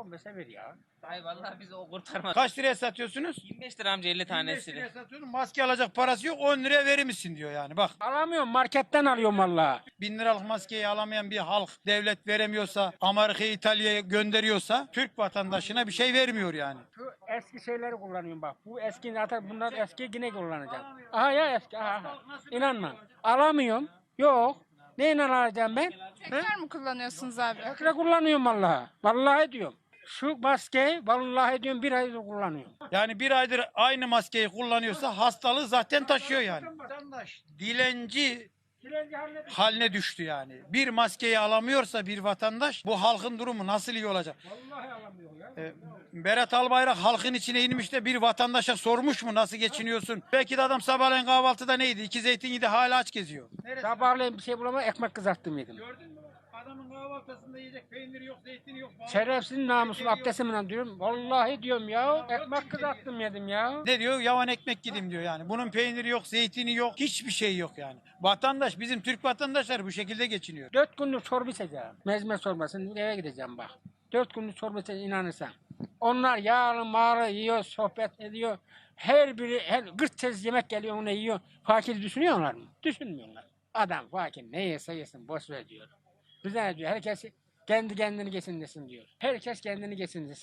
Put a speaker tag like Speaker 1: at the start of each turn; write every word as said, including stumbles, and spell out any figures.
Speaker 1: on beşe ver ya.
Speaker 2: Ay vallahi bizi o kurtarmaz.
Speaker 3: Kaç liraya satıyorsunuz?
Speaker 2: yirmi beş lira amca elli
Speaker 3: yirmi beş
Speaker 2: tanesini.
Speaker 3: liraya satıyorsun. Maske alacak parası yok. on liraya verir misin diyor yani. Bak
Speaker 1: Alamıyorum, marketten alıyorum valla.
Speaker 3: bin liralık maskeyi alamayan bir halk devlet veremiyorsa, Amerika'ya, İtalya'ya gönderiyorsa Türk vatandaşına bir şey vermiyor yani.
Speaker 1: Şu eski şeyleri kullanıyorum bak. Bu eski zaten bunlar eski yine kullanacağım. Aha ya eski aha. aha. İnanma. Alamıyorum. Yok. Neyle alacağım ben?
Speaker 4: Tekrar mı kullanıyorsunuz abi?
Speaker 1: Tekrar kullanıyorum vallahi. Vallahi diyorum. Şu maskeyi vallahi diyorum bir aydır kullanıyorum.
Speaker 3: Yani bir aydır aynı maskeyi kullanıyorsa hastalığı zaten taşıyor yani. Vatandaş dilenci haline düştü yani. Bir maskeyi alamıyorsa bir vatandaş bu halkın durumu nasıl iyi olacak?
Speaker 1: Vallahi alamıyor ya.
Speaker 3: Ee, Berat Albayrak halkın içine inmiş de bir vatandaşa sormuş mu nasıl geçiniyorsun? Belki de adam sabahleyin kahvaltıda neydi? İki zeytin yedi hala aç geziyor.
Speaker 1: Sabahleyin bir şey bulamadım ekmek kızarttım yedim.
Speaker 3: Gördün mü? Adamın kahvaltısında yiyecek peynir yok, zeytin yok.
Speaker 1: Şerefsiz namusun abdestimle diyorum. Vallahi diyorum ya. Ekmek kızarttım yedim ya.
Speaker 3: Ne diyor? Yavan ekmek yedim diyor yani. Bunun peyniri yok, zeytini yok, hiçbir şey yok yani. Vatandaş, bizim Türk vatandaşlar bu şekilde geçiniyor.
Speaker 1: Dört günlük çorba içeceğim. Mezme çorbasını eve gideceğim bak. Dört günlük çorba içeceğim inanırsan. Onlar yağlı mağlı yiyor, sohbet ediyor. Her biri, her gırt tez yemek geliyor onu yiyor. Fakir düşünüyorlar mı? Düşünmüyorlar. Adam fakir ne yese yesin boş ver diyor. Bize ne diyor? Herkes kendi kendini geçindirsin diyor. Herkes kendini geçindirsin.